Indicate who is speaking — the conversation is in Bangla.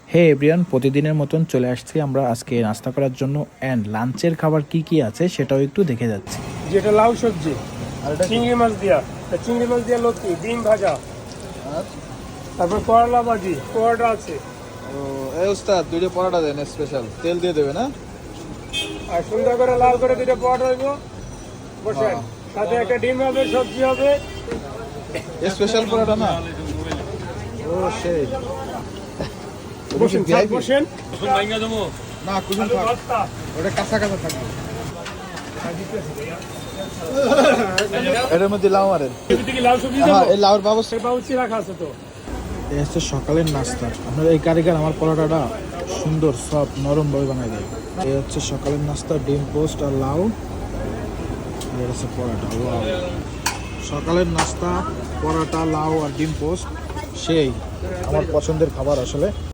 Speaker 1: হে এভরিওয়ান, প্রতিদিনের মতন চলে আসছি আমরা আজকে নাস্তা করার জন্য। অ্যান্ড লাঞ্চের খাবার কি কি আছে সেটাও একটু দেখে যাচ্ছি।
Speaker 2: যেটা লাউ সবজি
Speaker 1: আর এটা
Speaker 2: চিংড়ি মাছ দিয়া লতি ডিম ভাজা, তারপর করলা ভাজি, পরোটা আছে।
Speaker 3: এই ওস্তাদ দুইটা পরোটা দেন স্পেশাল, তেল দিয়ে দেবে না?
Speaker 2: আর সুন্দর করে লাল করে দুটো পরোটা হইব বসেন, সাথে একটা ডিম হবে, সবজি হবে।
Speaker 3: স্পেশাল পরোটা না? ও সেই
Speaker 2: বসেন স্যার, বসেন।
Speaker 3: না, কুসুম থাক, ওটা কাঁচা কাঁচা থাকবে। এটার মধ্যে লাউ মারেন।
Speaker 2: এদিকে লাউ সবজি
Speaker 3: হ্যাঁ,
Speaker 2: দেবো।
Speaker 3: এই লাউর ব্যবস্থা।
Speaker 2: বাউচি রাখা আছে তো।
Speaker 1: এই হচ্ছে সকালের নাস্তা। আপনার এই কারিগর আমার পরোটাটা সুন্দর সফট নরমভাবে বানায় দেয়। এই হচ্ছে সকালের নাস্তা, ডিম পোস্ট আর লাউ। আর এটা হচ্ছে পরোটা। ওয়াও, সকালের নাস্তা পরোটা, লাউ আর ডিম পোস্ট সেই আমার পছন্দের খাবার আসলে।